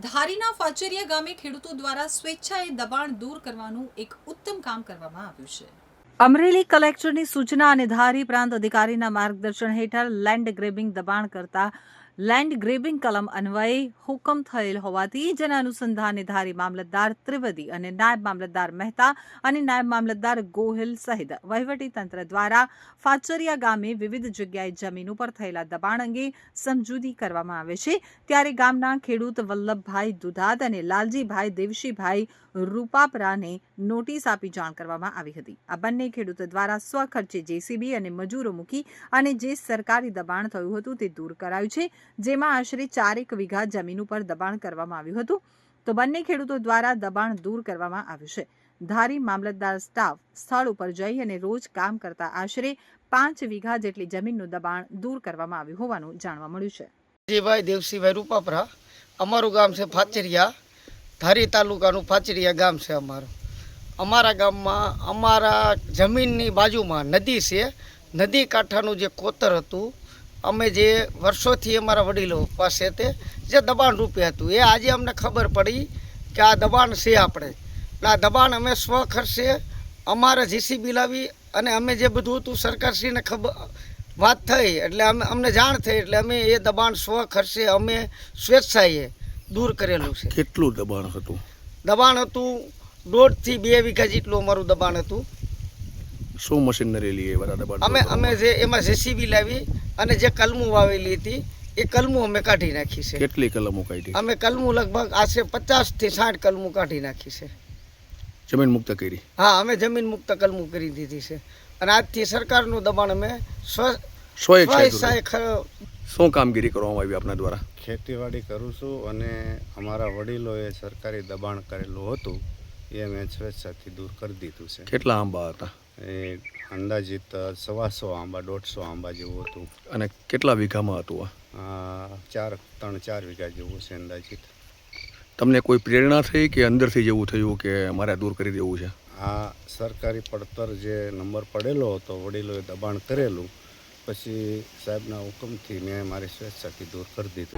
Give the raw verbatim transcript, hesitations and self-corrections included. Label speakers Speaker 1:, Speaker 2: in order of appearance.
Speaker 1: ધારીના ફાચરિયા ગામે ખેડૂતો દ્વારા સ્વેચ્છાએ દબાણ દૂર કરવાનું એક ઉત્તમ કામ કરવામાં આવ્યું છે। અમરેલી કલેક્ટરની સૂચના અને ધારી પ્રાંત અધિકારીના માર્ગદર્શન હેઠળ લેન્ડ ગ્રેબિંગ દબાણ કરતા લેન્ડ ગ્રેબિંગ કલમ અન્વયે હુકમ થયેલ હોવાથી જેના અનુસંધાને ધારી મામલતદાર ત્રિવેદી અને નાયબ મામલતદાર મહેતા અને નાયબ મામલતદાર ગોહિલ સહિત વહીવટી તંત્ર દ્વારા ફાચરિયા ગામે વિવિધ જગ્યાએ જમીન ઉપર થયેલા દબાણ અંગે સમજૂતી કરવામાં આવે છે। ત્યારે ગામના ખેડૂત વલ્લભભાઈ દુધાત અને લાલજીભાઈ દેવશીભાઈ રૂપાપરાને નોટિસ આપી જાણ કરવામાં આવી હતી। આ બંને ખેડૂતો દ્વારા સ્વખર્ચે જેસીબી અને મજૂરો મૂકી અને જે સરકારી દબાણ થયું હતું તે દૂર કરાયું છે, જેમાં આશરે ચારેક વીઘા જમીન ઉપર દબાણ કરવામાં આવ્યું હતું। તો બંને ખેડૂતો દ્વારા દબાણ દૂર કરવામાં આવ્યું છે। ધારી મામલતદાર સ્ટાફ સ્થળ ઉપર જઈ અને રોજ કામ કરતા આશરે પાંચ વીઘા જેટલી જમીનનું દબાણ દૂર કરવામાં આવ્યું હોવાનું જાણવા મળ્યું છે।
Speaker 2: જીભાઈ દેવસીભાઈ રૂપાપરા, અમારું ગામ છે ફાચરિયા, ધારી તાલુકાનું ફાચરિયા ગામ છે અમારું। અમારા ગામમાં અમારા જમીનની બાજુમાં નદી છે। નદી કાંઠાનું જે કોતર હતું, અમે જે વર્ષોથી અમારા વડીલો પાસે તે જે દબાણ રૂપે હતું, એ આજે અમને ખબર પડી કે આ દબાણ છે આપણે, એટલે આ દબાણ અમે સ્વ ખર્ચે અમારા જીસીબી લાવી અને અમે જે બધું હતું સરકારશ્રીને ખબર વાત થઈ, એટલે અમે અમને જાણ થઈ, એટલે અમે એ દબાણ સ્વ ખર્ચે અમે સ્વેચ્છાએ દૂર કરેલું છે।
Speaker 3: કેટલું દબાણ હતું?
Speaker 2: દબાણ હતું દોઢથી બે વીઘા જેટલું અમારું દબાણ હતું।
Speaker 3: શું મશીનરી લઈ બધા દબાણ?
Speaker 2: અમે અમે જે એમાં જેસીબી લાવી અને જે કલમું વાવેલી હતી એ કલમું અમે કાઢી નાખી છે।
Speaker 3: કેટલી કલમો કાઢી?
Speaker 2: અમે કલમું લગભગ આશરે પચાસ થી સાઠ કલમું કાઢી નાખી છે।
Speaker 3: જમીન મુક્ત કરી?
Speaker 2: હા, અમે જમીન મુક્ત કલમું કરી દીધી છે અને આજથી સરકારનું દબાણ અમે સ્વ
Speaker 3: સ્વચ્છાએ શું કામગીરી કરવામાં આવી આપના દ્વારા?
Speaker 4: ખેતીવાડી કરું છું અને અમારા વડીલોએ સરકારી દબાણ કરેલું હતું એ મેં સ્વેચ્છાથી દૂર કરી દીધું છે।
Speaker 3: કેટલા આંબા હતા?
Speaker 4: એ અંદાજિત સવાસો આંબા દોઢસો આંબા જેવું હતું।
Speaker 3: અને કેટલા વીઘામાં હતું
Speaker 4: આ ચાર ત્રણ ચાર વીઘા જેવું છે અંદાજિત।
Speaker 3: તમને કોઈ પ્રેરણા થઈ કે અંદરથી જેવું થયું કે મારે દૂર કરી દેવું છે?
Speaker 4: આ સરકારી પડતર જે નંબર પડેલો હતો, વડીલોએ દબાણ કરેલું, પછી સાહેબના હુકમથી મેં મારી સ્વેચ્છાથી દૂર કરી દીધું।